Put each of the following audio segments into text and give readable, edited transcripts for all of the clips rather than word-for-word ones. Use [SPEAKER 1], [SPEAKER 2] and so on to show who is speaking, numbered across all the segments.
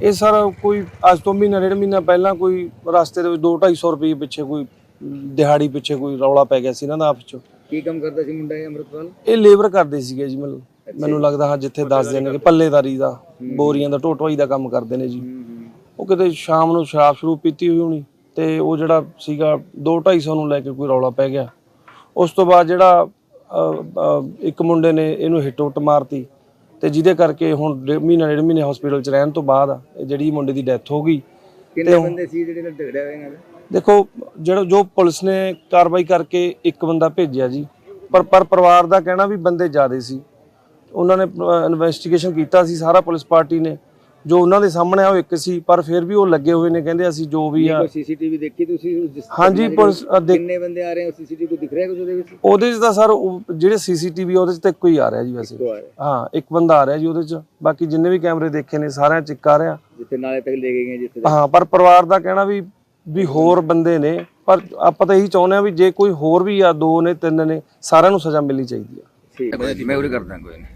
[SPEAKER 1] ਇਹ ਸਰ ਕੋਈ ਅੱਜ ਤੋਂ ਮਹੀਨਾ ਡੇਢ ਮਹੀਨਾ ਪਹਿਲਾਂ ਕੋਈ ਰਸਤੇ ਦੇ ਵਿੱਚ 200-250 ਰੁਪਏ ਪਿੱਛੇ ਕੋਈ ਦਿਹਾੜੀ ਪਿੱਛੇ ਕੋਈ ਰੌਲਾ ਪੈ ਗਿਆ ਸੀ ਇਹਨਾਂ ਦਾ ਆਪਸ ਚ।
[SPEAKER 2] ਕੀ ਕੰਮ ਕਰਦਾ ਸੀ ਮੁੰਡਾ ਇਹ ਅੰਮ੍ਰਿਤਪਾਲ?
[SPEAKER 1] ਇਹ ਲੇਬਰ ਕਰਦੇ ਸੀਗੇ ਜੀ, ਮੈਨੂੰ ਲੱਗਦਾ ਹਾਂ ਜਿੱਥੇ ਦੱਸਦੇ ਨੇ ਕਿ ਪੱਲੇਦਾਰੀ ਦਾ, ਬੋਰੀਆਂ ਦਾ, ਢੋਟਵਾਈ ਦਾ ਕੰਮ ਕਰਦੇ ਨੇ ਜੀ। ਉਹ ਕਿਤੇ ਸ਼ਾਮ ਨੂੰ ਸ਼ਰਾਬ ਸ਼ਰੂਬ ਪੀਤੀ ਹੋਈ ਹੋਣੀ ਤੇ ਉਹ ਜਿਹੜਾ ਸੀਗਾ 200-250 ਨੂੰ ਲੈ ਕੇ ਕੋਈ ਰੌਲਾ ਪੈ ਗਿਆ। ਉਸ ਤੋਂ ਬਾਅਦ ਜਿਹੜਾ ਇੱਕ ਮੁੰਡੇ ਨੇ ਇਹਨੂੰ ਹਿੱਟ ਹੁੱਟ ਮਾਰਤੀ ਤੇ ਜਿਹਦੇ ਕਰਕੇ ਹੁਣ ਮਹੀਨਾ ਡੇਢ ਮਹੀਨੇ ਹਸਪੀਟਲ 'ਚ ਰਹਿਣ ਤੋਂ ਬਾਅਦ ਇਹ ਜਿਹੜੀ ਮੁੰਡੇ ਦੀ ਡੈਥ ਹੋ ਗਈ।
[SPEAKER 2] ਕਿੰਨੇ ਬੰਦੇ ਸੀ ਜਿਹੜੇ ਨਾਲ ਝਗੜਿਆ ਹੋਇਆ ਨਾਲ?
[SPEAKER 1] ਦੇਖੋ ਜੋ ਪੁਲਿਸ ਨੇ ਕਾਰਵਾਈ ਕਰਕੇ ਇੱਕ ਬੰਦਾ ਭੇਜਿਆ ਜੀ, ਪਰ ਪਰਿਵਾਰ ਦਾ ਕਹਿਣਾ ਵੀ ਬੰਦੇ ਜ਼ਿਆਦੇ ਸੀ। ਉਹਨਾਂ ਨੇ ਇਨਵੈਸਟੀਗੇਸ਼ਨ ਕੀਤਾ ਸੀ ਸਾਰਾ, ਪੁਲਿਸ ਪਾਰਟੀ ਨੇ, ਜੋ ਉਹਨਾਂ ਦੇ ਸਾਹਮਣੇ ਆ ਉਹ ਇੱਕ ਸੀ, ਪਰ ਫਿਰ ਵੀ ਉਹ ਲੱਗੇ ਹੋਏ ਨੇ, ਕਹਿੰਦੇ ਅਸੀਂ ਜੋ ਵੀ ਆ।
[SPEAKER 2] ਸੀਸੀਟੀਵੀ ਦੇਖੀ ਤੁਸੀਂ?
[SPEAKER 1] ਹਾਂਜੀ ਪੁਲਿਸ
[SPEAKER 2] ਕਿੰਨੇ ਬੰਦੇ ਆ ਰਹੇ ਹੋ? ਸੀਸੀਟੀਵੀ ਦਿਖ ਰਿਹਾ ਕੁਝ ਉਹਦੇ ਵਿੱਚ?
[SPEAKER 1] ਉਹਦੇ 'ਚ ਤਾਂ ਸਰ ਜਿਹੜੇ ਸੀਸੀਟੀਵੀ ਉਹਦੇ 'ਚ ਤਾਂ ਇੱਕੋ ਹੀ ਆ ਰਿਹਾ ਜੀ ਵੈਸੇ। ਹਾਂ ਇੱਕ ਬੰਦਾ ਆ ਰਿਹਾ ਜੀ ਉਹਦੇ 'ਚ, ਬਾਕੀ ਜਿੰਨੇ ਵੀ ਕੈਮਰੇ ਦੇਖੇ ਨੇ ਸਾਰਿਆਂ 'ਚ ਇੱਕ ਆ ਰਿਹਾ
[SPEAKER 2] ਜਿੱਥੇ ਨਾਲੇ ਤੱਕ ਲੈ ਕੇ ਗਏ ਜਿੱਥੇ।
[SPEAKER 1] ਹਾਂ ਪਰ ਪਰਿਵਾਰ ਦਾ ਕਹਿਣਾ ਵੀ ਹੋਰ ਬੰਦੇ ਨੇ, ਪਰ ਆਪਾਂ ਤਾਂ ਇਹੀ ਚਾਹੁੰਦੇ ਆ ਵੀ ਜੇ ਕੋਈ ਹੋਰ ਵੀ ਆ, 2 ਨੇ 3 ਨੇ, ਸਾਰਿਆਂ ਨੂੰ ਸਜ਼ਾ ਮਿਲਣੀ ਚਾਹੀਦੀ ਆ।
[SPEAKER 2] ਠੀਕ ਹੈ, ਮੈਂ ਉਰੇ ਕਰਦਾ ਕੋਈ ਨਹੀਂ,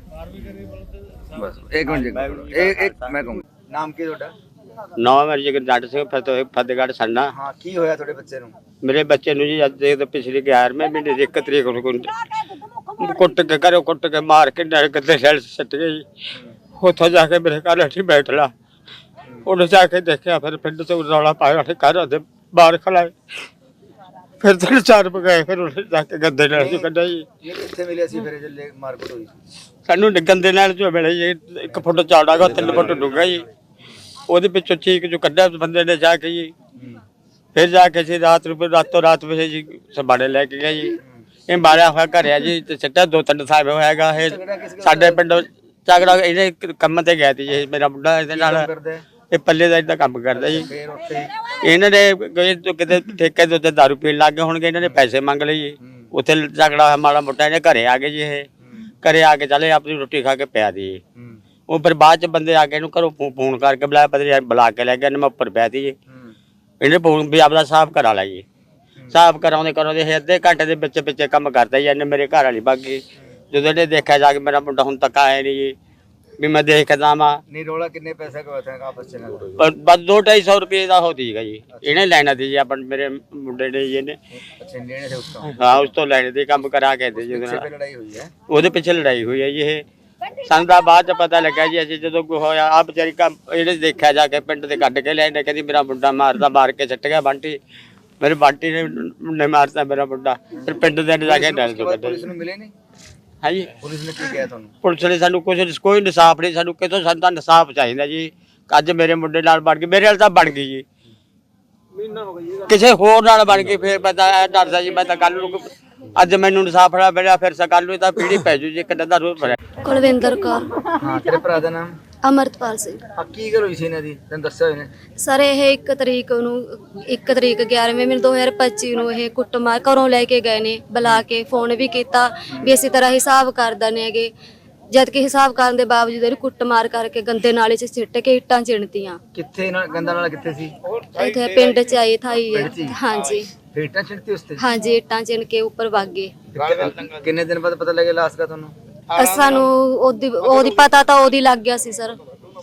[SPEAKER 2] ਬਸ ਇੱਕ ਮਿੰਟ ਇੱਕ ਮੈਂ ਕਹੂੰ। ਨਾਮ ਕੀ ਤੁਹਾਡਾ?
[SPEAKER 3] ਨਾਮ ਮੇਰੀ ਜਗਰ ਜੱਟ ਸਿੰਘ ਫਤਿਹਗੜ੍ਹ ਸੰਨਾ।
[SPEAKER 2] ਹਾਂ ਕੀ ਹੋਇਆ ਤੁਹਾਡੇ ਬੱਚੇ ਨੂੰ?
[SPEAKER 3] ਮੇਰੇ ਬੱਚੇ ਨੂੰ ਜੀ ਅੱਜ ਦੇ ਪਿਛਲੇ 11ਵੇਂ ਮਹੀਨੇ ਦੀ 1 ਤਰੀਕ ਨੂੰ ਕੁੱਟ ਕੇ ਘਰੋਂ ਕੁੱਟ ਕੇ ਮਾਰ ਕੇ ਨਰਕ ਦੇ ਸੈਲ ਸੱਟ ਗਈ। ਉੱਥੋਂ ਜਾ ਕੇ ਮੇਰੇ ਘਰ ਅੱਠੀ ਬੈਠ ਲਾ, ਉਹਨੇ ਜਾ ਕੇ ਦੇਖਿਆ, ਫਿਰ ਪਿੰਡ ਤੋਂ ਰੌਲਾ ਪਾਇਆ, ਉਹਨੇ ਘਰ ਦੇ ਬਾਹਰ ਖਲਾਏ, ਫਿਰ 3-4 ਗਏ, ਫਿਰ ਉਹਨੇ ਜਾ ਕੇ ਗੰਦੇ ਨਾਲ ਚੋਂ ਕੱਢਿਆ ਜੀ।
[SPEAKER 2] ਕਿੱਥੇ ਮਿਲਿਆ ਸੀ ਫਿਰ ਜੇ ਮਾਰਕੁੱਟ ਹੋਈ?
[SPEAKER 3] ਸਾਨੂੰ ਗੰਦੇ ਨਾਲ ਚੋਂ ਮਿਲਿਆ ਜੀ, 1 ਫੁੱਟ ਚੌੜਾ ਗਾ, 3 ਫੁੱਟ ਡੂੰਘਾ ਜੀ। ਉਹਦੇ ਪਿੱਛੋਂ ਚੀਕ ਜੋ ਕੱਢਿਆ ਬੰਦੇ ਨੇ ਜਾ ਕੇ ਜੀ। ਫਿਰ ਜਾ ਕੇ ਜੀ ਰਾਤੋਂ ਰਾਤ ਵਿੱਚ ਜੀ ਸਬਾੜੇ ਲੈ ਕੇ ਗਿਆ ਜੀ। ਇਹ ਮਾਰਿਆ ਹੋਇਆ ਘਰ ਆ ਜੀ, ਤੇ ਸਿੱਟਾ 2-3 ਸਾਲ ਹੋਇਆਗਾ। ਇਹ ਸਾਡੇ ਪਿੰਡ ਝਗੜਾ ਇਹਦੇ ਕੰਮ ਤੇ ਗਿਆ ਸੀ ਜੀ, ਮੇਰਾ ਮੁੰਡਾ ਇਹਦੇ ਨਾਲ, ਇਹ ਪੱਲੇ ਦਾ ਇਦਾਂ ਕੰਮ ਕਰਦਾ ਜੀ। ਇਹਨਾਂ ਨੇ ਕਿਤੇ ਠੇਕੇ ਦੇ ਉੱਤੇ ਦਾਰੂ ਪੀਣ ਲੱਗ ਗਏ ਹੋਣਗੇ, ਇਹਨਾਂ ਨੇ ਪੈਸੇ ਮੰਗ ਲਏ ਜੀ। ਉੱਥੇ ਝਗੜਾ ਮਾੜਾ ਮੋਟਾ, ਇਹਨੇ ਘਰੇ ਆ ਗਏ ਜੀ। ਇਹ ਘਰੇ ਆ ਕੇ ਚਲੇ ਆਪਣੀ ਰੋਟੀ ਖਾ ਕੇ ਪਿਆ ਦੀ। ਉਹ ਫਿਰ ਬਾਅਦ ਚ ਬੰਦੇ ਆ ਕੇ ਇਹਨੂੰ ਘਰੋਂ ਫੋਨ ਕਰਕੇ ਬੁਲਾਇਆ, ਪਤਾ ਬੁਲਾ ਕੇ ਲੈ ਗਿਆ, ਮੈਂ ਉੱਪਰ ਪਿਆ ਤੀ ਜੀ। ਇਹਨੇ ਫੋਨ ਵੀ ਆਪਦਾ ਸਾਫ਼ ਕਰਾ ਲਿਆ ਜੀ। ਸਾਫ਼ ਕਰਾਉਂਦੇ ਇਹ ਅੱਧੇ ਘੰਟੇ ਦੇ ਵਿੱਚ ਕੰਮ ਕਰਦਾ ਜੀ। ਇਹਨੇ ਮੇਰੇ ਘਰ ਵਾਲੀ ਬਾਗੀ, ਜਦੋਂ ਇਹਨੇ ਦੇਖਿਆ ਜਾ ਕੇ ਮੇਰਾ ਮੁੰਡਾ ਹੁਣ ਤੱਕ ਆਇਆ ਨਹੀਂ ਜੀ, ਵੀ ਮੈਂ ਦੇਖਦਾ ਵਾ।
[SPEAKER 2] ਨਹੀਂ ਰੋਲਾ ਕਿੰਨੇ ਪੈਸੇ ਦਾ ਹੋਇਆ ਆਪਸ ਚ?
[SPEAKER 3] ਬਸ 200-250 ਰੁਪਏ ਦਾ ਹੋਤੀ ਹੈਗਾ ਜੀ। ਇਹਨੇ ਲੈਣਾ ਸੀ ਜੀ ਆਪਣੇ ਮੇਰੇ ਮੁੰਡੇ ਨੇ ਜੀ। ਇਹਨੇ
[SPEAKER 2] ਅੱਛਾ ਲੈਣੇ ਸੇ ਉਸ ਤੋਂ?
[SPEAKER 3] ਹਾਂ ਉਸ ਤੋਂ ਲੈਣੇ ਦੇ ਕੰਮ ਕਰਾ ਕੇ ਦੇ ਜੀ।
[SPEAKER 2] ਲੜਾਈ ਹੋਈ ਹੈ?
[SPEAKER 3] ਉਹਦੇ ਪਿੱਛੇ ਲੜਾਈ ਹੋਈ ਹੈ ਜੀ। ਇਹ ਸਾਨੂੰ ਤਾਂ ਬਾਅਦ ਚ ਪਤਾ ਲੱਗਾ ਜੀ। ਅਸੀਂ ਜਦੋਂ ਹੋਇਆ ਆ ਵਿਚਾਰੀ ਕੰਮ ਇਹਨੇ ਦੇਖਿਆ ਜਾ ਕੇ, ਪਿੰਡ ਦੇ ਕੱਢ ਕੇ ਲੈਣੇ, ਕਹਿੰਦੀ ਮੇਰਾ ਮੁੰਡਾ ਮਾਰਦਾ, ਮਾਰ ਕੇ ਸੱਟ ਗਿਆ ਬੰਟੀ, ਮੇਰੇ ਬੰਟੀ ਨੇ ਮਾਰਤਾ ਮੇਰਾ ਮੁੰਡਾ। ਫਿਰ ਪਿੰਡ ਦੇ ਜਾ ਕੇ ਡਰ ਤੋਂ ਕੱਢਿਆ।
[SPEAKER 2] ਪੁਲਿਸ ਨੂੰ ਮਿਲੇ ਨਹੀਂ?
[SPEAKER 3] ਹਾਂਜੀ
[SPEAKER 2] ਪੁਲਿਸ ਨੇ ਕੀ ਕਿਹਾ ਤੁਹਾਨੂੰ?
[SPEAKER 3] ਪੁਲਿਸ ਨੇ ਸਾਨੂੰ ਕੋਈ ਇਨਸਾਫ ਨਹੀਂ, ਸਾਨੂੰ ਕਿਤੋਂ ਸਾਨੂੰ ਤਾਂ ਇਨਸਾਫ ਚਾਹੀਦਾ ਜੀ। ਅੱਜ ਮੇਰੇ ਮੁੰਡੇ ਨਾਲ ਬਣ ਗਈ, ਮੇਰੇ ਨਾਲ ਤਾਂ ਬਣ ਗਈ ਜੀ, ਕਿਸੇ ਹੋਰ ਨਾਲ ਬਣ ਗਈ। ਫਿਰ ਮੈਂ ਤਾਂ ਡਰਦਾ ਜੀ, ਮੈਂ ਤਾਂ ਕੱਲ ਨੂੰ ਅੱਜ ਮੈਨੂੰ ਇਨਸਾਫ ਮਿਲਿਆ, ਫਿਰ ਕੱਲ ਨੂੰ ਤਾਂ ਪੀੜੀ ਪੈ ਜੂ ਜੀ। ਕਿੰਨਾ ਦਾ ਰੋਜ਼ ਭਰਿਆ।
[SPEAKER 4] ਕੁਲਵਿੰਦਰ ਕੌਰ।
[SPEAKER 2] ਹਾਂ ਤੇਰੇ ਭਰਾ ਦਾ ਨਾਮ?
[SPEAKER 4] ਅਮਰਤਪਾਲ ਸਿੰਘ।
[SPEAKER 2] ਆ ਕੀ ਗੱਲ ਹੋਈ ਸੀ ਇਹਨਾਂ ਦੀ, ਤੈਨੂੰ ਦੱਸਿਆ ਹੋਇਆ ਨੇ?
[SPEAKER 4] ਸਰ ਇਹ 1 ਤਰੀਕ ਨੂੰ 1 ਤਰੀਕ 11ਵੇਂ ਮਹੀਨੇ 2025 ਨੂੰ ਇਹ ਕੁੱਟਮਾਰ ਘਰੋਂ ਲੈ ਕੇ ਗਏ ਨੇ, ਬੁਲਾ ਕੇ ਫੋਨ ਵੀ ਕੀਤਾ ਵੀ ਇਸੇ ਤਰ੍ਹਾਂ ਹਿਸਾਬ ਕਰ ਦਨੇ ਹੈਗੇ। ਜਦ ਕਿ ਹਿਸਾਬ ਕਰਨ ਦੇ ਬਾਵਜੂਦ ਇਹਨੂੰ ਕੁੱਟਮਾਰ ਕਰਕੇ ਗੰਦੇ ਨਾਲੇ 'ਚ ਸਿੱਟ ਕੇ ਇੱਟਾਂ ਚਿਣਤੀਆਂ।
[SPEAKER 2] ਕਿੱਥੇ ਗੰਦਾ ਨਾਲਾ ਕਿੱਥੇ ਸੀ?
[SPEAKER 4] ਇੱਥੇ ਪਿੰਡ 'ਚ ਆਈ ਥਾਈ ਹੈ। ਹਾਂਜੀ
[SPEAKER 2] ਇੱਟਾਂ ਚਿਣਤੀ ਉਸ ਤੇ?
[SPEAKER 4] ਹਾਂਜੀ ਇੱਟਾਂ ਚਿਣ ਕੇ ਉੱਪਰ ਵਗ ਗਏ।
[SPEAKER 2] ਕਿੰਨੇ ਦਿਨ ਬਾਅਦ ਪਤਾ ਲੱਗਿਆ ਲਾਸ਼ ਦਾ ਤੁਹਾਨੂੰ?
[SPEAKER 4] ਸਾਨੂੰ ਉਹਦੀ ਪਤਾ ਤਾਂ ਉਹਦੀ ਲੱਗ ਗਿਆ ਸੀ ਸਰ,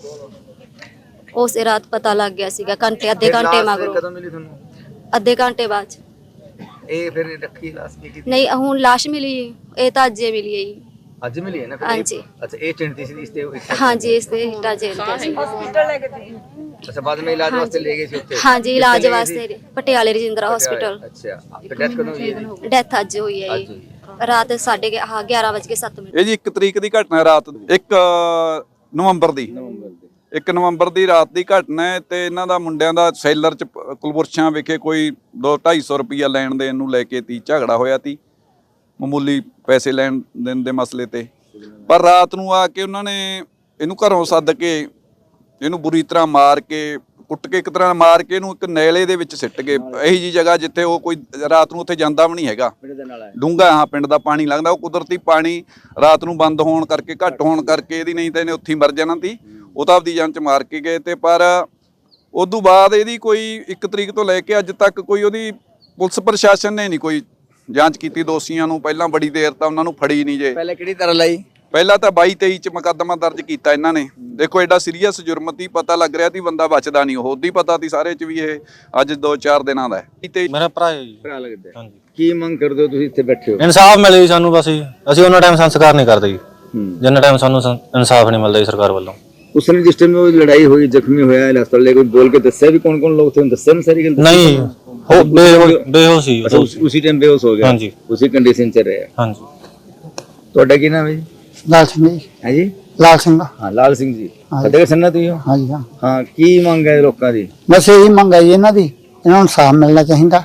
[SPEAKER 4] ਉਸੇ ਰਾਤ ਪਤਾ ਲੱਗ ਗਿਆ ਸੀਗਾ, ਅੱਧੇ ਘੰਟੇ ਮਗਰੋਂ।
[SPEAKER 2] ਕਦੋਂ ਮਿਲੀ ਤੁਹਾਨੂੰ?
[SPEAKER 4] ਅੱਧੇ ਘੰਟੇ ਬਾਅਦ ਚ।
[SPEAKER 2] ਇਹ ਫਿਰ ਰੱਖੀ ਲਾਸ਼ ਕੀ ਕੀਤੀ?
[SPEAKER 4] ਨਹੀਂ ਹੁਣ ਲਾਸ਼ ਮਿਲੀ, ਇਹ ਤਾਂ ਅੱਜੇ ਮਿਲੀ ਹੈ ਜੀ।
[SPEAKER 2] ਅੱਜ ਮਿਲੀ ਹੈ ਨਾ?
[SPEAKER 4] ਹਾਂਜੀ।
[SPEAKER 2] ਅੱਛਾ ਇਹ ਚਿਣਤੀ ਸੀ ਇਸ ਤੇ?
[SPEAKER 4] ਹਾਂਜੀ ਇਸ ਤੇ ਇੱਟਾਂ ਚਿਣਦੇ ਸੀ।
[SPEAKER 2] ਅੱਛਾ ਬਾਅਦ ਵਿੱਚ ਇਲਾਜ ਵਾਸਤੇ ਲੈ ਗਏ ਸੀ ਉੱਥੇ?
[SPEAKER 4] ਹਾਂਜੀ ਇਲਾਜ ਵਾਸਤੇ ਪਟਿਆਲੇ ਰਜਿੰਦਰਾ ਹਸਪੀਟਲ।
[SPEAKER 2] ਅੱਛਾ ਫਿਰ ਡੈਥ ਕਦੋਂ ਹੋਈ ਹੈ?
[SPEAKER 4] ਡੈਥ ਅੱਜ ਹੋਈ ਹੈ ਜੀ, ਰਾਤ 11:07।
[SPEAKER 5] ਇਹ ਜੀ 1 ਤਰੀਕ ਦੀ ਘਟਨਾ, ਰਾਤ 1 ਨਵੰਬਰ ਦੀ 1 ਨਵੰਬਰ ਦੀ ਰਾਤ ਦੀ ਘਟਨਾ ਹੈ। ਤੇ ਇਹਨਾਂ ਦਾ ਮੁੰਡਿਆਂ ਦਾ ਸੈਲਰ ਚ ਕੁਲਬੁਰਸ਼ਾਂ ਵਿਖੇ ਕੋਈ 200-250 ਰੁਪਈਆ ਲੈਣ ਦੇਣ ਨੂੰ ਲੈ ਕੇ ਤੀ ਝਗੜਾ ਹੋਇਆ ਤੀ, ਮਾਮੂਲੀ ਪੈਸੇ ਲੈਣ ਦੇਣ ਦੇ ਮਸਲੇ ਤੇ। ਪਰ ਰਾਤ ਨੂੰ ਆ ਕੇ ਉਹਨਾਂ ਨੇ ਇਹਨੂੰ ਘਰੋਂ ਸੱਦ ਕੇ ਇਹਨੂੰ ਬੁਰੀ ਤਰ੍ਹਾਂ ਮਾਰ ਕੇ, ਕੁੱਟ ਕੇ, ਇੱਕ ਤਰ੍ਹਾਂ ਮਾਰ ਕੇ ਇਹਨੂੰ ਇੱਕ ਨੈਲੇ ਦੇ ਵਿੱਚ ਸਿੱਟ ਗਏ। ਇਹੀ ਜੀ ਜਗ੍ਹਾ ਜਿੱਥੇ ਉਹ ਕੋਈ ਰਾਤ ਨੂੰ ਉੱਥੇ ਜਾਂਦਾ ਵੀ ਨਹੀਂ ਹੈਗਾ, ਡੂੰਘਾ। ਹਾਂ ਪਿੰਡ ਦਾ ਪਾਣੀ ਲੰਘਦਾ, ਉਹ ਕੁਦਰਤੀ ਪਾਣੀ ਰਾਤ ਨੂੰ ਬੰਦ ਹੋਣ ਕਰਕੇ, ਘੱਟ ਹੋਣ ਕਰਕੇ ਇਹਦੀ, ਨਹੀਂ ਤਾਂ ਇਹਨੇ ਉੱਥੇ ਮਰ ਜਾਣਾ ਸੀ। ਉਹ ਤਾਂ ਆਪਦੀ ਜਾਨ ਚ ਮਾਰ ਕੇ ਗਏ ਤੇ। ਪਰ ਉਦੋਂ ਬਾਅਦ ਇਹਦੀ ਕੋਈ 1 ਤਰੀਕ ਤੋਂ ਲੈ ਕੇ ਅੱਜ ਤੱਕ ਕੋਈ ਉਹਦੀ ਪੁਲਿਸ ਪ੍ਰਸ਼ਾਸਨ ਨੇ ਨਹੀਂ ਕੋਈ ਜਾਂਚ ਕੀਤੀ ਦੋਸ਼ੀਆਂ ਨੂੰ। ਪਹਿਲਾਂ ਬੜੀ ਦੇਰ ਤਾਂ ਉਹਨਾਂ ਨੂੰ ਫੜੀ ਨਹੀਂ ਜੇ।
[SPEAKER 2] ਪਹਿਲੇ ਕਿਹੜੀ ਤਰ੍ਹਾਂ ਲਈ?
[SPEAKER 5] ਪਹਿਲਾਂ ਤਾਂ 22-23 ਚ ਮੁਕੱਦਮਾ ਦਰਜ ਕੀਤਾ ਇਹਨਾਂ ਨੇ। ਦੇਖੋ ਐਡਾ ਸੀਰੀਅਸ ਜੁਰਮ ਤੀ, ਪਤਾ ਲੱਗ ਰਿਹਾ ਸੀ ਬੰਦਾ ਬਚਦਾ ਨਹੀਂ, ਉਹਦੀ ਪਤਾ ਸੀ ਸਾਰੇ ਚ ਵੀ ਇਹ ਅੱਜ 2-4 ਦਿਨਾਂ ਦਾ ਹੈ। ਤੇ
[SPEAKER 6] ਮੇਰਾ ਭਰਾ ਹੈ ਜੀ।
[SPEAKER 2] ਭਰਾ ਲੱਗਦਾ ਹੈ।
[SPEAKER 6] ਹਾਂਜੀ।
[SPEAKER 2] ਕੀ ਮੰਗ ਕਰਦੇ ਹੋ ਤੁਸੀਂ ਇੱਥੇ ਬੈਠੇ ਹੋ?
[SPEAKER 6] ਇਨਸਾਫ ਮਿਲੇ ਜੀ ਸਾਨੂੰ, ਬਸ ਜੀ। ਅਸੀਂ ਉਹਨਾਂ ਟਾਈਮ ਸੰਸਕਾਰ ਨਹੀਂ ਕਰਦੇ ਜੀ ਜਿੰਨਾ ਟਾਈਮ ਸਾਨੂੰ ਇਨਸਾਫ ਨਹੀਂ ਮਿਲਦਾ ਜੀ ਸਰਕਾਰ ਵੱਲੋਂ।
[SPEAKER 2] ਉਸ ਨੇ ਜਿਸ ਟਾਈਮ ਉਹ ਲੜਾਈ ਹੋਈ, ਜ਼ਖਮੀ ਹੋਇਆ, ਹਸਪਤਾਲ ਲੈ ਕੇ ਬੋਲ ਕੇ ਦੱਸਿਆ ਵੀ ਕੌਣ ਕੌਣ ਲੋਕ ਥੇ? ਦੱਸਿਆ ਨਾ ਸਾਰੀ ਗੱਲ?
[SPEAKER 6] ਨਹੀਂ, ਹੋ ਬੇਹੋਸ਼ ਸੀ।
[SPEAKER 2] ਅੱਛਾ, ਉसी टाइम बेहोश हो गया।
[SPEAKER 6] हाँ जी।
[SPEAKER 2] उसी कंडीशन च रहे।
[SPEAKER 6] हाँ जी।
[SPEAKER 2] ਤੁਹਾਡਾ ਕੀ ਨਾਮ ਹੈ ਜੀ?
[SPEAKER 7] ਲਾਲ ਸਿੰਘ ਜੀ।
[SPEAKER 2] ਹੈ ਜੀ?
[SPEAKER 7] ਲਾਲ ਸਿੰਘ।
[SPEAKER 2] ਹਾਂ, ਲਾਲ ਸਿੰਘ ਜੀ। ਫਤਿਹਗੜ੍ਹ ਸੰਨਾ ਤੋਂ ਹੀ ਹੋ?
[SPEAKER 7] ਹਾਂਜੀ ਹਾਂ।
[SPEAKER 2] ਹਾਂ, ਕੀ ਮੰਗ ਹੈ ਲੋਕਾਂ ਦੀ?
[SPEAKER 7] ਬਸ ਇਹੀ ਮੰਗ ਹੈ ਜੀ ਇਹਨਾਂ ਦੀ, ਇਹਨਾਂ ਨੂੰ ਇਨਸਾਫ ਮਿਲਣਾ ਚਾਹੀਦਾ।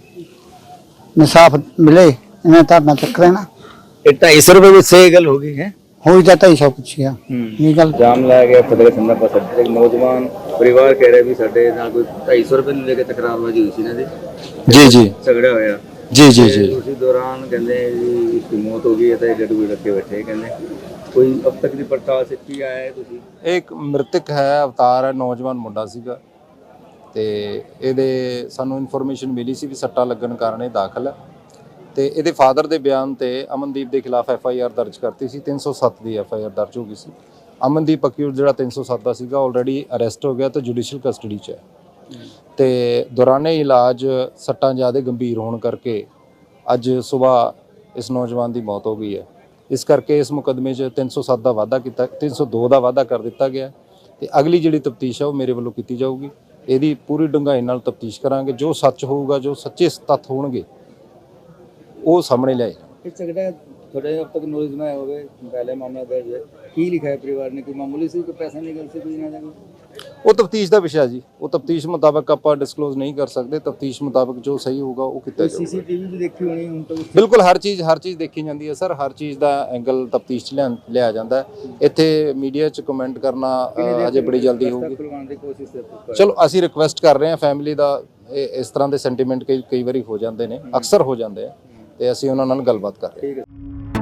[SPEAKER 7] ਇਨਸਾਫ ਮਿਲੇ ਇਹਨਾਂ ਧਰਨਾ ਚੱਕ ਲੈਣਾ।
[SPEAKER 2] ਇਹ 250 ਰੁਪਏ ਵਿੱਚ ਸਹੀ ਗੱਲ ਹੋ ਗਈ ਹੈ।
[SPEAKER 7] ਹੋਈ ਤਾਂ 250 ਪੁੱਛਿਆ ਇਹ ਗੱਲ।
[SPEAKER 2] ਜਾਮ ਲਾਇਆ ਗਿਆ ਫਤਿਹਗੜ੍ਹ ਸੰਨਾ ਪਾਸ। ਇੱਕ ਨੌਜਵਾਨ ਪਰਿਵਾਰ ਕਹਿ ਰਿਹਾ ਵੀ ਸਾਡੇ ਨਾਲ ਕੋਈ 250 ਰੁਪਏ ਨੂੰ ਲੈ ਕੇ ਤਕਰਾਰਬਾਜ਼ੀ ਹੋਈ ਸੀ ਇਹਨਾਂ ਦੀ।
[SPEAKER 6] जी जी
[SPEAKER 2] ਝਗੜਾ ਹੋਇਆ।
[SPEAKER 6] जी जी जी।
[SPEAKER 2] ਉਸੇ ਦੌਰਾਨ ਕਹਿੰਦੇ ਜੀ ਇਸਦੀ ਮੌਤ ਹੋ ਗਈ ਹੈ ਤਾਂ ਗੱਡੀ ਰੱਖੇ ਬੈਠੇ। ਕਹਿੰਦੇ ਕੋਈ ਅਬ ਤੱਕ ਦੀ ਪੜਤਾਲ ਸੇ ਕੀ ਆਇਆ ਹੈ ਤੁਸੀਂ?
[SPEAKER 8] ਇੱਕ ਮ੍ਰਿਤਕ ਹੈ, ਅਵਤਾਰ ਹੈ, ਨੌਜਵਾਨ ਮੁੰਡਾ ਸੀਗਾ ਤੇ ਇਹਦੇ ਸਾਨੂੰ ਇਨਫੋਰਮੇਸ਼ਨ ਮਿਲੀ ਸੀ ਵੀ ਸੱਟਾਂ ਲੱਗਣ ਕਾਰਨ ਇਹ ਦਾਖਲ ਹੈ ਤੇ ਇਹਦੇ ਫਾਦਰ ਦੇ ਬਿਆਨ ਤੇ ਅਮਨਦੀਪ ਦੇ ਖਿਲਾਫ FIR ਦਰਜ ਕਰਤੀ ਸੀ। 307 ਦੀ FIR ਦਰਜ ਹੋ ਗਈ ਸੀ। ਅਮਨਦੀਪ ਅਕਿਊਜ਼ ਜਿਹੜਾ 307 ਦਾ ਸੀਗਾ ਆਲਰੇਡੀ ਅਰੈਸਟ ਹੋ ਗਿਆ ਤੇ ਜੁਡੀਸ਼ੀਅਲ ਕਸਟਡੀ 'ਚ ਹੈ ਤੇ ਦੌਰਾਨੇ ਇਲਾਜ ਸੱਟਾਂ ਜ਼ਿਆਦਾ ਗੰਭੀਰ ਹੋਣ ਕਰਕੇ ਅੱਜ ਸਵੇਰ ਇਸ ਨੌਜਵਾਨ ਦੀ ਮੌਤ ਹੋ ਗਈ ਹੈ। ਇਸ ਕਰਕੇ ਇਸ ਮੁਕੱਦਮੇ 'ਚ 307 ਦਾ ਵਾਅਦਾ ਕੀਤਾ, 302 ਦਾ ਵਾਅਦਾ ਕਰ ਦਿੱਤਾ ਗਿਆ ਤੇ ਅਗਲੀ ਜਿਹੜੀ ਤਫਤੀਸ਼ ਹੈ ਉਹ ਮੇਰੇ ਵੱਲੋਂ ਕੀਤੀ ਜਾਊਗੀ। ਇਹਦੀ ਪੂਰੀ ਡੂੰਘਾਈ ਨਾਲ ਤਫਤੀਸ਼ ਕਰਾਂਗੇ। ਜੋ ਸੱਚ ਹੋਊਗਾ, ਜੋ ਸੱਚੇ ਤੱਥ ਹੋਣਗੇ ਉਹ ਸਾਹਮਣੇ ਲਿਆਏ ਜਾਣਗੇ।
[SPEAKER 2] ਇਹ ਝਗੜਾ थोड़े अब तक नॉलेज में हो गए, पहले मामला दर्ज है की लिखा है परिवार ने? कोई मामूली से कोई पैसा निकल से कोई ना जाए?
[SPEAKER 8] ਉਹ ਤਫਤੀਸ਼ ਦਾ ਵਿਸ਼ਾ ਜੀ, ਉਹ ਤਫਤੀਸ਼ ਮੁਤਾਬਕ ਆਪਾਂ ਡਿਸਕਲੋਜ਼ ਨਹੀਂ ਕਰ ਸਕਦੇ। ਤਫਤੀਸ਼ ਮੁਤਾਬਕ ਜੋ ਸਹੀ ਹੋਊਗਾ ਉਹ ਕੀਤਾ ਜਾਊਗਾ।
[SPEAKER 2] CCTV भी देखी होनी उन तो?
[SPEAKER 8] ਬਿਲਕੁਲ ਹਰ ਚੀਜ਼ ਦੇਖੀ ਜਾਂਦੀ ਹੈ ਸਰ। ਹਰ ਚੀਜ਼ ਦਾ ਐਂਗਲ ਤਫਤੀਸ਼ 'ਚ ਲਿਆ ਜਾਂਦਾ ਹੈ। ਇੱਥੇ ਮੀਡੀਆ 'ਚ ਕਮੈਂਟ ਕਰਨਾ ਅਜੇ ਬੜੀ ਜਲਦੀ ਹੋਊਗੀ।
[SPEAKER 2] खुलवाने की कोशिश है।
[SPEAKER 8] ਚਲੋ ਅਸੀਂ ਰਿਕੁਐਸਟ ਕਰ ਰਹੇ ਹਾਂ ਫੈਮਿਲੀ ਦਾ। ਇਸ ਤਰ੍ਹਾਂ ਦੇ ਸੈਂਟੀਮੈਂਟ ਕਈ ਵਾਰੀ ਹੋ ਜਾਂਦੇ ਨੇ, ਅਕਸਰ ਹੋ ਜਾਂਦੇ ਆ ਤੇ ਅਸੀਂ ਉਹਨਾਂ ਨਾਲ ਗੱਲਬਾਤ ਕਰ ਰਹੇ ਹਾਂ।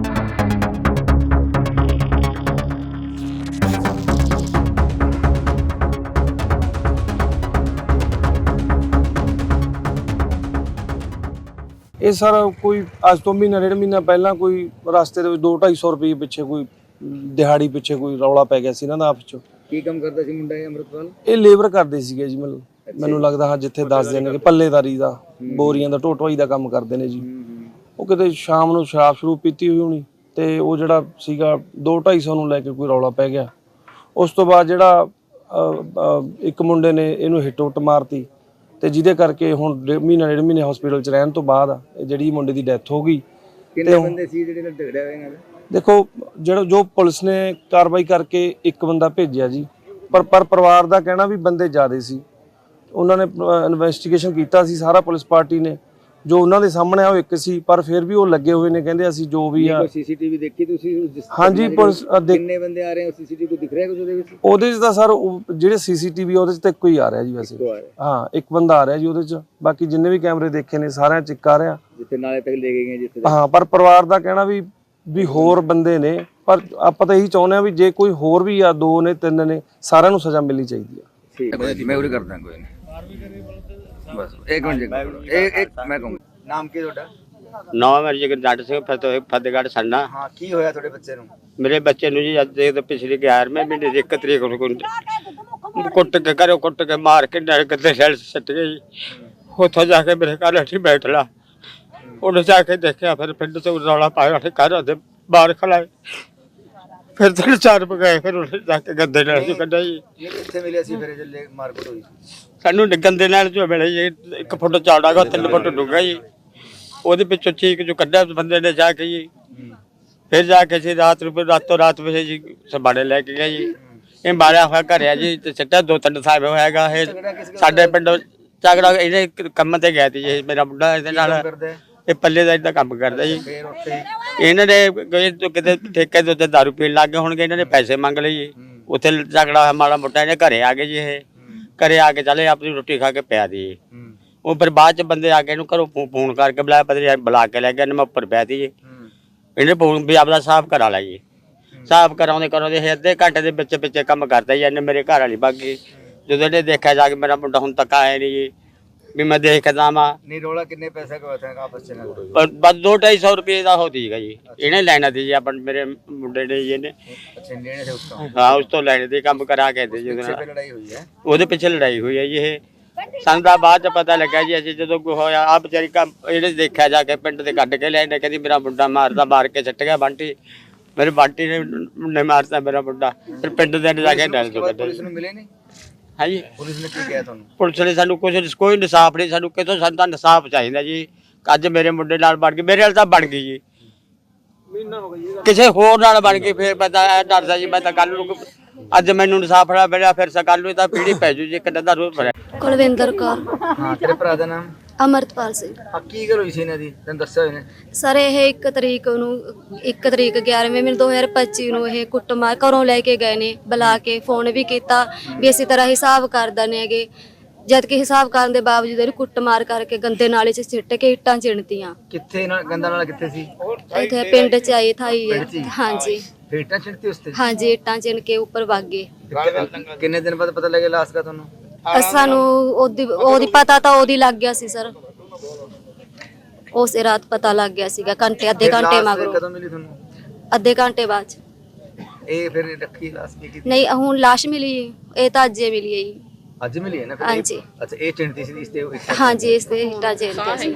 [SPEAKER 1] ਇਹ ਸਰ ਕੋਈ ਅੱਜ ਤੋਂ ਮਹੀਨਾ 1.5 ਮਹੀਨਾ ਪਹਿਲਾਂ ਕੋਈ ਰਸਤੇ ਦੇ ਵਿੱਚ 200-250 ਰੁਪਏ ਪਿੱਛੇ ਕੋਈ ਦਿਹਾੜੀ ਪਿੱਛੇ ਕੋਈ ਰੌਲਾ ਪੈ ਗਿਆ ਸੀ ਇਹਨਾਂ ਦਾ ਆਪਸ ਚ।
[SPEAKER 2] ਕੀ ਕੰਮ ਕਰਦਾ ਸੀ ਮੁੰਡਾ ਇਹ ਅੰਮ੍ਰਿਤਪਾਲ?
[SPEAKER 1] ਇਹ ਲੇਬਰ ਕਰਦੇ ਸੀਗੇ ਜੀ। ਮੈਨੂੰ ਲੱਗਦਾ ਹਾਂ ਜਿੱਥੇ ਦੱਸਦੇ ਨੇ ਕਿ ਪੱਲੇਦਾਰੀ ਦਾ, ਬੋਰੀਆਂ ਦਾ ਢੋਟਵਾਈ ਦਾ ਕੰਮ ਕਰਦੇ ਨੇ ਜੀ। ਉਹ ਕਿਤੇ ਸ਼ਾਮ ਨੂੰ ਸ਼ਰਾਬ ਸ਼ਰੂ ਪੀਤੀ ਹੋਈ ਹੋਣੀ ਤੇ ਉਹ ਜਿਹੜਾ ਸੀਗਾ 200-250 ਨੂੰ ਲੈ ਕੇ ਕੋਈ ਰੌਲਾ ਪੈ ਗਿਆ। ਉਸ ਤੋਂ ਬਾਅਦ ਜਿਹੜਾ ਇੱਕ ਮੁੰਡੇ ਨੇ ਇਹਨੂੰ ਹਿੱਟ ਉੱਟ ਮਾਰਤੀ ਤੇ ਜਿਹਦੇ ਕਰਕੇ ਹੁਣ ਮਹੀਨਾ 1.5 ਮਹੀਨੇ ਹਸਪੀਟਲ 'ਚ ਰਹਿਣ ਤੋਂ ਬਾਅਦ ਇਹ ਜਿਹੜੀ ਮੁੰਡੇ ਦੀ ਡੈਥ ਹੋ ਗਈ।
[SPEAKER 2] ਕਿੰਨੇ ਬੰਦੇ ਸੀ ਜਿਹੜੇ ਨਾਲ ਝਗੜਿਆ ਹੋਇਆ ਇਹਨਾਂ ਦਾ?
[SPEAKER 1] ਦੇਖੋ ਜੋ ਪੁਲਿਸ ਨੇ ਕਾਰਵਾਈ ਕਰਕੇ ਇੱਕ ਬੰਦਾ ਭੇਜਿਆ ਜੀ, ਪਰ ਪਰਿਵਾਰ ਦਾ ਕਹਿਣਾ ਵੀ ਬੰਦੇ ਜ਼ਿਆਦੇ ਸੀ। ਉਹਨਾਂ ਨੇ ਇਨਵੈਸਟੀਗੇਸ਼ਨ ਕੀਤਾ ਸੀ ਸਾਰਾ ਪੁਲਿਸ ਪਾਰਟੀ ਨੇ, ਜੋ ਉਹਨਾਂ ਦੇ ਸਾਹਮਣੇ ਆ ਉਹ ਇੱਕ ਸੀ, ਪਰ ਫਿਰ ਵੀ ਉਹ ਲੱਗੇ ਹੋਏ ਨੇ ਕਹਿੰਦੇ ਅਸੀਂ ਜੋ ਵੀ ਆ।
[SPEAKER 2] CCTV ਦੇਖੀ ਤੁਸੀਂ?
[SPEAKER 1] ਹਾਂਜੀ ਪੁਲਿਸ
[SPEAKER 2] ਕਿੰਨੇ ਬੰਦੇ ਆ ਰਹੇ ਹੋ? CCTV ਕੋ ਦਿਖ ਰਿਹਾ ਕੁਝ ਉਹਦੇ ਵਿੱਚ?
[SPEAKER 1] ਉਹਦੇ 'ਚ ਤਾਂ ਸਰ ਜਿਹੜੇ CCTV ਉਹਦੇ 'ਚ ਤਾਂ ਇੱਕੋ ਹੀ ਆ ਰਿਹਾ ਜੀ ਵੈਸੇ। ਹਾਂ, ਇੱਕ ਬੰਦਾ ਆ ਰਿਹਾ ਜੀ ਉਹਦੇ 'ਚ। ਬਾਕੀ ਜਿੰਨੇ ਵੀ ਕੈਮਰੇ ਦੇਖੇ ਨੇ ਸਾਰਿਆਂ 'ਚ ਇੱਕ ਆ ਰਿਹਾ
[SPEAKER 2] ਜਿੱਥੇ ਨਾਲੇ ਤੱਕ ਲੈ ਕੇ ਗਏ ਜਿੱਥੇ।
[SPEAKER 1] ਹਾਂ, ਪਰ ਪਰਿਵਾਰ ਦਾ ਕਹਿਣਾ ਵੀ ਹੋਰ ਬੰਦੇ ਨੇ, ਪਰ ਆਪਾਂ ਤਾਂ ਇਹੀ ਚਾਹੁੰਦੇ ਆ ਵੀ ਜੇ ਕੋਈ ਹੋਰ ਵੀ ਆ, 2 ਨੇ 3 ਨੇ, ਸਾਰਿਆਂ ਨੂੰ ਸਜ਼ਾ ਮਿਲਣੀ ਚਾਹੀਦੀ ਆ।
[SPEAKER 2] ਠੀਕ ਹੈ, ਮੈਂ ਉਰੇ ਕਰਦਾ ਕੋਈ ਨਹੀਂ। ਬਸ ਇੱਕ ਮਿੰਟ ਇੱਕ ਮੈਂ ਕਹੂੰਗਾ। ਨਾਮ ਕੀ ਤੁਹਾਡਾ?
[SPEAKER 3] ਨਾਮ ਹੈ ਜਗਦਾਰ ਸਿੰਘ, ਫਤਿਹਗੜ੍ਹ ਸੰਨਾ।
[SPEAKER 2] ਹਾਂ, ਕੀ ਹੋਇਆ ਤੁਹਾਡੇ ਬੱਚੇ ਨੂੰ?
[SPEAKER 3] ਮੇਰੇ ਬੱਚੇ ਨੂੰ ਜੀ ਅੱਜ ਦੇ ਪਿਛਲੇ 11ਵੇਂ ਮਹੀਨੇ ਦੀ 1 ਤਰੀਕ ਨੂੰ ਕੁੱਟ ਕੇ ਘਰੋਂ ਕੁੱਟ ਕੇ ਮਾਰ ਕੇ ਨਰ ਗੱਦੇ ਸੈਲ ਸੱਟ ਗਈ। ਉੱਥੋਂ ਜਾ ਕੇ ਮੇਰੇ ਘਰ ਅੱਠੀ ਬੈਠ ਲਾ। ਉਹਨੇ ਜਾ ਕੇ ਦੇਖਿਆ, ਫਿਰ ਪਿੰਡ ਤੋਂ ਰੌਲਾ ਪਾਇਆ, ਉੱਥੇ ਘਰ ਦੇ ਬਾਹਰ ਖਲਾਏ। ਫਿਰ 3-4 ਗਏ, ਫਿਰ ਉਹਨੇ ਜਾ ਕੇ ਗੱਦੇ ਨਾਲ ਚ ਕੱਢਿਆ ਜੀ।
[SPEAKER 2] ਇਹ ਕਿੱਥੇ ਮਿਲਿਆ ਸੀ ਫਿਰ ਜੇ ਮਾਰਕਟ ਹੋਈ?
[SPEAKER 3] ਸਾਨੂੰ ਗੰਦੇ ਨਾਲ ਜੋ ਮਿਲੇ ਜੀ, 1 ਫੁੱਟ ਚੌੜਾ ਗਾ, 3 ਫੁੱਟ ਡੂੰਘਾ ਜੀ। ਉਹਦੇ ਵਿੱਚੋਂ ਚੀਕ ਜੋ ਕੱਢਿਆ ਬੰਦੇ ਨੇ ਜਾ ਕੇ ਜੀ। ਫਿਰ ਜਾ ਕੇ ਜੀ ਰਾਤੋਂ ਰਾਤ ਵਿੱਚ ਜੀ ਸਬਾੜੇ ਲੈ ਕੇ ਗਏ ਜੀ। ਇਹ ਮਾਰਿਆ ਹੋਇਆ ਘਰ ਆ ਜੀ ਤੇ ਸਿੱਟਾ 2-3 ਸਾਲ ਹੋਇਆਗਾ। ਇਹ ਸਾਡੇ ਪਿੰਡ ਝਗੜਾ ਇਹਨੇ ਕੰਮ ਤੇ ਗਿਆ ਸੀ ਜੀ। ਮੇਰਾ ਮੁੰਡਾ ਇਹਦੇ ਨਾਲ ਇਹ ਪੱਲੇ ਦਾ ਇਦਾਂ ਕੰਮ ਕਰਦਾ ਜੀ। ਇਹਨਾਂ ਨੇ ਕਿਤੇ ਠੇਕੇ ਦੇ ਉੱਤੇ ਦਾਰੂ ਪੀਣ ਲੱਗ ਗਏ ਹੋਣਗੇ। ਇਹਨਾਂ ਨੇ ਪੈਸੇ ਮੰਗ ਲਏ ਜੀ। ਉੱਥੇ ਝਗੜਾ ਹੋਇਆ ਮਾੜਾ ਮੋਟਾ। ਇਹਨੇ ਘਰੇ ਆ ਗਏ ਜੀ। ਇਹ ਘਰੇ ਆ ਕੇ ਚਲੇ ਆਪਣੀ ਰੋਟੀ ਖਾ ਕੇ ਪਿਆ ਦੀ। ਉਹ ਫਿਰ ਬਾਅਦ ਚ ਬੰਦੇ ਆ ਕੇ ਇਹਨੂੰ ਘਰੋਂ ਫੋਨ ਕਰਕੇ ਬੁਲਾਇਆ, ਪਤਾ ਬੁਲਾ ਕੇ ਲੈ ਗਿਆ। ਇਹਨੇ ਮੈਂ ਉੱਪਰ ਪਿਆ ਤੀ ਜੀ। ਇਹਨੇ ਫੋਨ ਵੀ ਆਪਦਾ ਸਾਫ਼ ਕਰਾ ਲਿਆ ਜੀ। ਸਾਫ਼ ਕਰਾਉਂਦੇ ਇਹ ਅੱਧੇ ਘੰਟੇ ਦੇ ਵਿੱਚ ਕੰਮ ਕਰਦਾ ਜੀ। ਇਹਨੇ ਮੇਰੇ ਘਰ ਵਾਲੀ ਬਾਗੀ ਜਦੋਂ ਇਹਨੇ ਦੇਖਿਆ ਜਾ ਕੇ ਮੇਰਾ ਮੁੰਡਾ ਹੁਣ ਤੱਕ ਆਇਆ ਨਹੀਂ ਜੀ। ਵੀ ਮੈਂ ਦੇਖ ਕੇ ਜਾਵਾਂ।
[SPEAKER 2] ਨਹੀਂ ਰੋਲਾ ਕਿੰਨੇ ਪੈਸੇ का था आपस में
[SPEAKER 3] ਬਸ 2-250 ਰੁਪਏ ਦਾ ਹੋ ਸੀਗਾ ਜੀ। ਇਹਨੇ ਲੈਣਾ ਸੀ ਜੀ ਆਪਣ ਮੇਰੇ ਮੁੰਡੇ ਨੇ ਜੀ ਇਹਨੇ।
[SPEAKER 2] अच्छा लेने से उसका
[SPEAKER 3] ਹਾਂ ਉਸ ਤੋਂ ਲੈਣੇ ਦੇ ਕੰਮ ਕਰਾ ਕੇ ਦੇ ਜੀ ਉਹਦੇ
[SPEAKER 2] पीछे
[SPEAKER 3] ਨਾਲ।
[SPEAKER 2] पे लड़ाई हुई है।
[SPEAKER 3] ਉਹਦੇ ਪਿੱਛੇ ਲੜਾਈ ਹੋਈ ਹੈ ਜੀ ਇਹ। ਸਾਨੂੰ ਤਾਂ ਬਾਅਦ ਚ ਪਤਾ ਲੱਗਾ ਜੀ ਅਸੀਂ ਜਦੋਂ ਕੋਈ ਹੋਇਆ ਆ ਵਿਚਾਰੀ ਕੰਮ ਇਹਨੇ ਦੇਖਿਆ ਜਾ ਕੇ ਪਿੰਡ ਦੇ ਕੱਢ ਕੇ ਲੈਣੇ ਕਹਿੰਦੀ ਮੇਰਾ ਮੁੰਡਾ ਮਾਰਦਾ ਮਾਰ ਕੇ ਸੱਟ ਗਿਆ ਬੰਟੀ। ਮੇਰੇ ਬੰਟੀ ਨੇ ਮਾਰਤਾ ਮੇਰਾ ਮੁੰਡਾ। ਫਿਰ ਪਿੰਡ ਦੇ ਨੇ ਜਾ ਕੇ ਡਰ
[SPEAKER 2] उसके
[SPEAKER 3] ਦੋ
[SPEAKER 2] बाद
[SPEAKER 3] ਕੱਢੇ।
[SPEAKER 2] पुलिस ने मिले नहीं।
[SPEAKER 3] ਹਾਂ ਜੀ
[SPEAKER 2] पुलिस ने क्या किया था
[SPEAKER 3] ਪੁਲਿਸ ਨੇ ਸਾਨੂੰ ਕੋਈ ਇਨਸਾਫ ਨਹੀਂ। ਸਾਨੂੰ ਕਿਤੋਂ ਸਾਨੂੰ ਤਾਂ ਇਨਸਾਫ ਚਾਹੀਦਾ ਜੀ। ਅੱਜ ਮੇਰੇ ਮੁੰਡੇ ਨਾਲ ਬਣ ਗਈ, ਮੇਰੇ ਨਾਲ ਤਾਂ ਬਣ ਗਈ ਜੀ। ਕਿਸੇ ਹੋਰ ਨਾਲ ਬਣ ਗਈ ਫਿਰ ਮੈਂ ਤਾਂ ਇਹ ਡਰਦਾ ਜੀ। ਮੈਂ ਤਾਂ ਕੱਲ ਨੂੰ ਅੱਜ ਮੈਨੂੰ ਇਨਸਾਫ ਨਾ ਮਿਲਿਆ ਫਿਰ ਕੱਲ ਨੂੰ ਤਾਂ ਪੀੜੀ ਪੈ ਜੂ ਜੀ। ਕਿੰਨਾ ਦਾ ਰੋਜ਼ ਭਰਿਆ।
[SPEAKER 4] ਕੁਲਵਿੰਦਰ ਕੌਰ।
[SPEAKER 2] हाँ तेरे भरा का नाम
[SPEAKER 4] ਅਮਰਤਪਾਲ ਸਿੰਘ।
[SPEAKER 2] हाँ की गल हुई सी इन्हां दी तैनूं दस्सिया होया ने।
[SPEAKER 4] ਸਰ ਇਹ 1 ਤਰੀਕ ਨੂੰ 1 ਤਰੀਕ 11ਵੇਂ ਮਹੀਨੇ 2025 ਨੂੰ ਇਹ ਕੁੱਟਮਾਰ ਘਰੋਂ ਲੈ ਕੇ ਗਏ ਨੇ। ਬੁਲਾ ਕੇ ਫੋਨ ਵੀ ਕੀਤਾ ਵੀ ਇਸੇ ਤਰ੍ਹਾਂ ਹਿਸਾਬ ਕਰ ਦਨੇ ਹੈਗੇ। ਜਦ ਕਿ ਹਿਸਾਬ ਕਰਨ ਦੇ ਬਾਵਜੂਦ ਇਹਨੂੰ ਕੁੱਟਮਾਰ ਕਰਕੇ ਗੰਦੇ ਨਾਲੇ 'ਚ ਸਿੱਟ ਕੇ ਇੱਟਾਂ ਚਿਣਤੀਆਂ।
[SPEAKER 2] कित्थे ना गंदा नाला कित्थे सी
[SPEAKER 4] ਇੱਥੇ ਪਿੰਡ 'ਚ ਆਈ ਥਾਈ ਹੈ। ਹਾਂਜੀ
[SPEAKER 2] फेटा चिंती उसते
[SPEAKER 4] ਹਾਂਜੀ ਇੱਟਾਂ ਚਿਣ ਕੇ ਉੱਪਰ ਵਗ ਗਏ।
[SPEAKER 2] किन्ने दिन बाद पता लगे लाश का तुहानूं।
[SPEAKER 4] ਸਾਨੂੰ ਉਹਦੀ ਪਤਾ ਤਾਂ ਉਹਦੀ ਲੱਗ ਗਿਆ ਸੀ ਸਰ। ਉਸੇ ਰਾਤ ਪਤਾ ਲੱਗ ਗਿਆ ਸੀਗਾ ਅੱਧੇ ਘੰਟੇ
[SPEAKER 2] लाश
[SPEAKER 4] ਮਗਰੋਂ।
[SPEAKER 2] कदों मिली तुहानूं।
[SPEAKER 4] ਅੱਧੇ ਘੰਟੇ ਬਾਅਦ 'ਚ।
[SPEAKER 2] ਇਹ ਫਿਰ ਰੱਖੀ ਲਾਸ਼ ਕੀ
[SPEAKER 4] ਨਹੀਂ ਹੁਣ ਲਾਸ਼ ਮਿਲੀ ਹੈ। ਇਹ ਤਾਂ ਅੱਜੇ ਮਿਲੀ ਹੈ ਜੀ।
[SPEAKER 2] ਅੱਜ ਮਿਲੀ ਹੈ ਨਾ
[SPEAKER 4] ਹਾਂਜੀ।
[SPEAKER 2] ਅੱਛਾ ਇਹ ਚਿੰਤੀ ਸੀ ਇਸ ਤੇ
[SPEAKER 4] ਹਾਂਜੀ ਇਸ ਦੇ ਹਿੱਟਾ ਜੇਲ ਤੇ ਸੀ।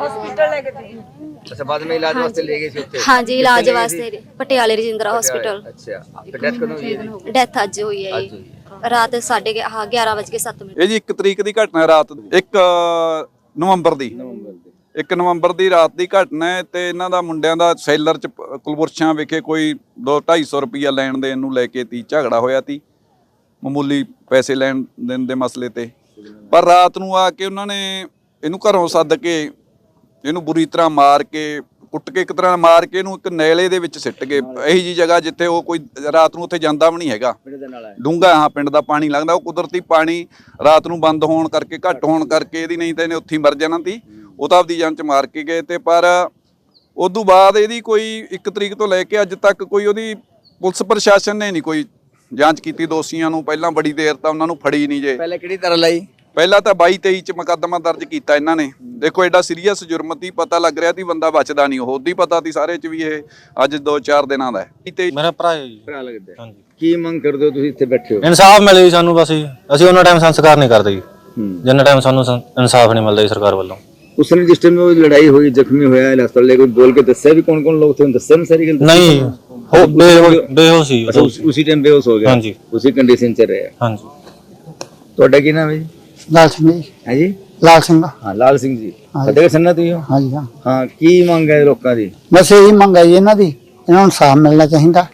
[SPEAKER 2] ਅੱਛਾ ਬਾਅਦ ਵਿੱਚ ਇਲਾਜ ਵਾਸਤੇ ਲੈ ਗਏ ਸੀ ਉੱਥੇ।
[SPEAKER 4] ਹਾਂਜੀ ਇਲਾਜ ਵਾਸਤੇ ਪਟਿਆਲੇ ਰਜਿੰਦਰਾ ਹਸਪੀਟਲ।
[SPEAKER 2] ਅੱਛਾ ਫਿਰ ਡੈਥ ਕਦੋਂ ਹੋਈ ਹੈ ਜੀ।
[SPEAKER 4] ਡੈਥ ਅੱਜ ਹੋਈ ਹੈ ਜੀ ਰਾਤ 11:07
[SPEAKER 5] ਇਹ ਜੀ 1 ਤਰੀਕ ਦੀ ਘਟਨਾ ਹੈ, ਰਾਤ 1 ਨਵੰਬਰ ਦੀ 1 ਨਵੰਬਰ ਦੀ ਰਾਤ ਦੀ ਘਟਨਾ ਹੈ। ਤੇ ਇਹਨਾਂ ਦਾ ਮੁੰਡਿਆਂ ਦਾ ਸੈਲਰ ਚ ਕੁਲਬੁਰਸ਼ਾਂ ਵਿਖੇ ਕੋਈ 200-250 ਰੁਪਈਆ ਲੈਣ ਦੇਣ ਨੂੰ ਲੈ ਕੇ ਤੀ ਝਗੜਾ ਹੋਇਆ ਤੀ। ਮਾਮੂਲੀ ਪੈਸੇ ਲੈਣ ਦੇਣ ਦੇ ਮਸਲੇ ਤੇ। ਪਰ ਰਾਤ ਨੂੰ ਆ ਕੇ ਉਹਨਾਂ ਨੇ ਇਹਨੂੰ ਘਰੋਂ ਸੱਦ ਕੇ ਇਹਨੂੰ ਬੁਰੀ ਤਰ੍ਹਾਂ ਮਾਰ ਕੇ ਕੁੱਟ ਕੇ ਇੱਕ ਤਰ੍ਹਾਂ ਮਾਰ ਕੇ ਇਹਨੂੰ ਇੱਕ ਨੈਲੇ ਦੇ ਵਿੱਚ ਸਿੱਟ ਗਏ। ਇਹੀ ਜੀ ਜਗ੍ਹਾ ਜਿੱਥੇ ਉਹ ਕੋਈ ਰਾਤ ਨੂੰ ਉੱਥੇ ਜਾਂਦਾ ਵੀ ਨਹੀਂ ਹੈਗਾ। ਡੂੰਘਾ ਹਾਂ ਪਿੰਡ ਦਾ ਪਾਣੀ ਲੰਘਦਾ। ਉਹ ਕੁਦਰਤੀ ਪਾਣੀ ਰਾਤ ਨੂੰ ਬੰਦ ਹੋਣ ਕਰਕੇ ਘੱਟ ਹੋਣ ਕਰਕੇ ਇਹਦੀ ਨਹੀਂ ਤਾਂ ਇਹਨੇ ਉੱਥੇ ਹੀ ਮਰ ਜਾਣਾ ਸੀ। ਉਹ ਤਾਂ ਆਪਦੀ ਜਾਨ ਚ ਮਾਰ ਕੇ ਗਏ ਤੇ ਪਰ ਉਦੋਂ ਬਾਅਦ ਇਹਦੀ ਕੋਈ 1 ਤਰੀਕ ਤੋਂ ਲੈ ਕੇ ਅੱਜ ਤੱਕ ਕੋਈ ਉਹਦੀ ਪੁਲਿਸ ਪ੍ਰਸ਼ਾਸਨ ਨੇ ਨਹੀਂ ਕੋਈ ਜਾਂਚ ਕੀਤੀ। ਦੋਸ਼ੀਆਂ ਨੂੰ ਪਹਿਲਾਂ ਬੜੀ ਦੇਰ ਤਾਂ ਉਹਨਾਂ ਨੂੰ ਫੜੀ ਨਹੀਂ ਜੇ।
[SPEAKER 2] ਪਹਿਲੇ ਕਿਹੜੀ ਤਰ੍ਹਾਂ ਲਈ
[SPEAKER 5] ਪਹਿਲਾਂ ਤਾਂ 22-23 ਚ ਮੁਕੱਦਮਾ ਦਰਜ ਕੀਤਾ ਇਹਨਾਂ ਨੇ। ਦੇਖੋ ਐਡਾ ਸੀਰੀਅਸ ਜੁਰਮ ਤੀ। ਪਤਾ ਲੱਗ ਰਿਹਾ ਸੀ ਬੰਦਾ ਬਚਦਾ ਨਹੀਂ। ਉਹ ਦੀ ਪਤਾ ਸੀ ਸਾਰੇ ਚ ਵੀ ਇਹ ਅੱਜ 2-4 ਦਿਨਾਂ ਦਾ ਹੈ।
[SPEAKER 6] ਮੇਰਾ ਭਰਾ ਹੈ ਜੀ।
[SPEAKER 2] ਭਰਾ ਲੱਗਦਾ
[SPEAKER 6] ਹਾਂਜੀ।
[SPEAKER 2] ਕੀ ਮੰਗ ਕਰਦੇ ਹੋ ਤੁਸੀਂ ਇੱਥੇ ਬੈਠੇ ਹੋ।
[SPEAKER 6] ਇਨਸਾਫ ਮਿਲੇ ਜੀ ਸਾਨੂੰ। ਬਸ ਜੀ ਅਸੀਂ ਉਹਨਾਂ ਟਾਈਮ ਸੰਸਕਾਰ ਨਹੀਂ ਕਰਦੇ ਜੀ ਜਿੰਨਾ ਟਾਈਮ ਸਾਨੂੰ ਇਨਸਾਫ ਨਹੀਂ ਮਿਲਦਾ ਜੀ ਸਰਕਾਰ ਵੱਲੋਂ।
[SPEAKER 2] ਉਸ ਨੇ ਜਿਸ ਟਾਈਮ ਉਹ ਲੜਾਈ ਹੋਈ ਜ਼ਖਮੀ ਹੋਇਆ ਹਸਪਤਾਲ ਲੈ ਕੇ ਬੋਲ ਕੇ ਦੱਸਿਆ ਵੀ ਕੌਣ ਕੌਣ ਲੋਕ ਥੇ। ਦੱਸਿਆ ਨਾ ਸਾਰੀ ਗੱਲ।
[SPEAKER 6] ਨਹੀਂ ਉਹ ਬੇਹੋਸ਼ ਸੀ।
[SPEAKER 2] ਅੱਛਾ ਉਸੇ ਟਾਈਮ ਬੇਹੋਸ਼ ਹੋ ਗਿਆ।
[SPEAKER 6] ਹਾਂਜੀ।
[SPEAKER 2] ਉਸੇ ਕੰਡੀਸ਼ਨ ਚ ਰਿਹਾ।
[SPEAKER 6] ਹਾਂਜੀ।
[SPEAKER 2] ਤੁਹਾਡਾ ਕੀ ਨਾਮ ਹੈ ਜੀ।
[SPEAKER 7] ਲਾਲ ਸਿੰਘ ਜੀ।
[SPEAKER 2] ਹੈ ਜੀ
[SPEAKER 7] ਲਾਲ ਸਿੰਘ।
[SPEAKER 2] ਹਾਂ ਲਾਲ ਸਿੰਘ ਜੀ ਫਤਿਹਗੜ੍ਹ ਸੰਨਾ ਤੁਸੀਂ ਹੋ।
[SPEAKER 7] ਹਾਂਜੀ ਹਾਂ।
[SPEAKER 2] ਹਾਂ ਕੀ ਮੰਗ ਹੈ ਲੋਕਾਂ ਦੀ।
[SPEAKER 7] ਬਸ ਇਹੀ ਮੰਗ ਹੈ ਜੀ ਇਹਨਾਂ ਦੀ। ਇਹਨਾਂ ਨੂੰ ਇਨਸਾਫ ਮਿਲਣਾ ਚਾਹੀਦਾ।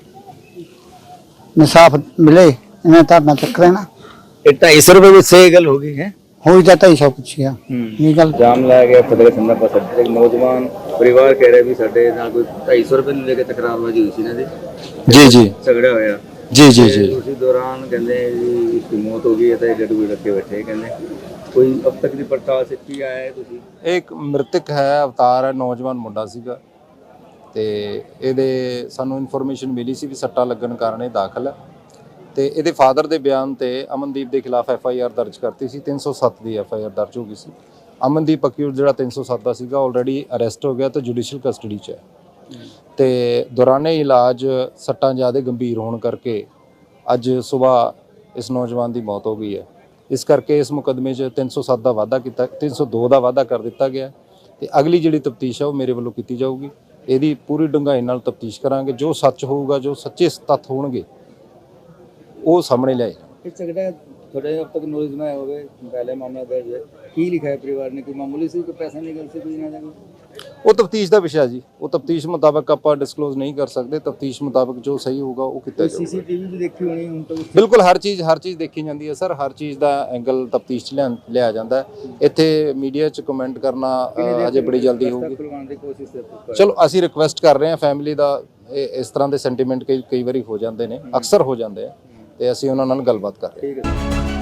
[SPEAKER 7] ਇਨਸਾਫ ਮਿਲੇ ਇਹਨਾਂ ਧਰਨਾ ਚੱਕ ਲੈਣਾ।
[SPEAKER 2] ਇਹ 250 ਰੁਪਏ ਵਿੱਚ ਸਹੀ ਗੱਲ ਹੋ ਗਈ ਹੈ।
[SPEAKER 7] ਹੋਈ ਤਾਂ 250 ਪੁੱਛਿਆ ਇਹ ਗੱਲ।
[SPEAKER 2] ਜਾਮ ਲਾਇਆ ਗਿਆ ਫਤਿਹਗੜ੍ਹ ਸੰਨਾ ਪਾਸ ਅੱਡੇ। ਇੱਕ ਨੌਜਵਾਨ ਪਰਿਵਾਰ ਕਹਿ ਰਿਹਾ ਵੀ ਸਾਡੇ ਨਾਲ ਕੋਈ 250 ਰੁਪਏ ਨੂੰ ਲੈ ਕੇ ਤਕਰਾਰਬਾਜ਼ੀ ਹੋਈ ਸੀ ਇਹਨਾਂ ਦੀ।
[SPEAKER 6] ਜੀ ਜੀ
[SPEAKER 2] ਝਗੜਾ ਹੋਇਆ।
[SPEAKER 6] ਜੀ ਜੀ
[SPEAKER 2] ਤੇ ਉਸੇ ਦੌਰਾਨ ਕਹਿੰਦੇ ਵੀ ਇਸਦੀ ਮੌਤ ਹੋ ਗਈ ਹੈ ਤਾਂ ਗੱਡੂ ਰੱਖੇ ਬੈਠੇ ਕਹਿੰਦੇ ਕੋਈ ਅਬ ਤੱਕ ਦੀ ਪੜਤਾਲ ਸੇ ਕੀ ਆਇਆ ਹੈ ਤੁਸੀਂ।
[SPEAKER 8] ਇੱਕ ਮ੍ਰਿਤਕ ਹੈ, ਅਵਤਾਰ ਹੈ, ਨੌਜਵਾਨ ਮੁੰਡਾ ਸੀਗਾ ਤੇ ਇਹਦੇ ਸਾਨੂੰ ਇਨਫੋਰਮੇਸ਼ਨ ਮਿਲੀ ਸੀ ਵੀ ਸੱਟਾਂ ਲੱਗਣ ਕਾਰਨ ਇਹ ਦਾਖਲ ਹੈ। ਤੇ ਇਹਦੇ ਫਾਦਰ ਦੇ ਬਿਆਨ ਤੇ ਅਮਨਦੀਪ ਦੇ ਖਿਲਾਫ FIR ਦਰਜ ਕਰਤੀ ਸੀ। 307 ਦੀ FIR ਦਰਜ ਹੋ ਗਈ ਸੀ। ਅਮਨਦੀਪ ਅਕਿਊਜ਼ ਜਿਹੜਾ 307 ਦਾ ਸੀਗਾ ਆਲਰੇਡੀ ਅਰੈਸਟ ਹੋ ਗਿਆ ਤੇ ਜੁਡੀਸ਼ੀਅਲ ਕਸਟਡੀ 'ਚ ਹੈ। ਤੇ ਦੌਰਾਨੇ ਇਲਾਜ ਸੱਟਾਂ ਜ਼ਿਆਦਾ ਗੰਭੀਰ ਹੋਣ ਕਰਕੇ ਅੱਜ ਸਵੇਰ ਇਸ ਨੌਜਵਾਨ ਦੀ ਮੌਤ ਹੋ ਗਈ ਹੈ। ਇਸ ਕਰਕੇ ਇਸ ਮੁਕੱਦਮੇ 'ਚ 307 ਦਾ ਵਾਅਦਾ ਕੀਤਾ 302 ਦਾ ਵਾਅਦਾ ਕਰ ਦਿੱਤਾ ਗਿਆ ਤੇ ਅਗਲੀ ਜਿਹੜੀ ਤਫਤੀਸ਼ ਹੈ ਉਹ ਮੇਰੇ ਵੱਲੋਂ ਕੀਤੀ ਜਾਊਗੀ। ਇਹਦੀ ਪੂਰੀ ਡੂੰਘਾਈ ਨਾਲ ਤਫਤੀਸ਼ ਕਰਾਂਗੇ। ਜੋ ਸੱਚ ਹੋਊਗਾ, ਜੋ ਸੱਚੇ ਤੱਥ ਹੋਣਗੇ ਉਹ ਸਾਹਮਣੇ ਲਿਆਏ।
[SPEAKER 2] ਇਹ ਝਗੜਾ थोड़े अब तक नॉलेज में हो गए पहले मामला दर्ज है की लिखा है परिवार ने कोई मामूली सी कोई पैसा निकल से कोई ना
[SPEAKER 8] ਉਹ ਤਫਤੀਸ਼ ਦਾ ਵਿਸ਼ਾ ਜੀ। ਉਹ ਤਫਤੀਸ਼ ਮੁਤਾਬਕ ਆਪਾਂ ਡਿਸਕਲੋਜ਼ ਨਹੀਂ ਕਰ ਸਕਦੇ। ਤਫਤੀਸ਼ ਮੁਤਾਬਕ ਜੋ ਸਹੀ ਹੋਊਗਾ ਉਹ ਕੀਤਾ ਜਾਊਗਾ।
[SPEAKER 2] सीसीटीवी भी देखी होनी उन तो
[SPEAKER 8] ਬਿਲਕੁਲ ਹਰ ਚੀਜ਼ ਦੇਖੀ ਜਾਂਦੀ ਹੈ ਸਰ। ਹਰ ਚੀਜ਼ ਦਾ ਐਂਗਲ ਤਫਤੀਸ਼ 'ਚ ਲਿਆ ਜਾਂਦਾ ਹੈ। ਇੱਥੇ ਮੀਡੀਆ 'ਚ ਕਮੈਂਟ ਕਰਨਾ ਅਜੇ ਬੜੀ ਜਲਦੀ ਹੋਊਗੀ।
[SPEAKER 2] खुलवाने की कोशिश करते
[SPEAKER 8] ਚਲੋ ਅਸੀਂ ਰਿਕੁਐਸਟ ਕਰ ਰਹੇ ਹਾਂ ਫੈਮਿਲੀ ਦਾ। ਇਸ ਤਰ੍ਹਾਂ ਦੇ ਸੈਂਟੀਮੈਂਟ ਕਈ ਵਾਰੀ ਹੋ ਜਾਂਦੇ ਨੇ, ਅਕਸਰ ਹੋ ਜਾਂਦੇ ਆ ਤੇ ਅਸੀਂ ਉਹਨਾਂ ਨਾਲ ਗੱਲਬਾਤ ਕਰ ਰਹੇ ਹਾਂ।
[SPEAKER 2] ठीक है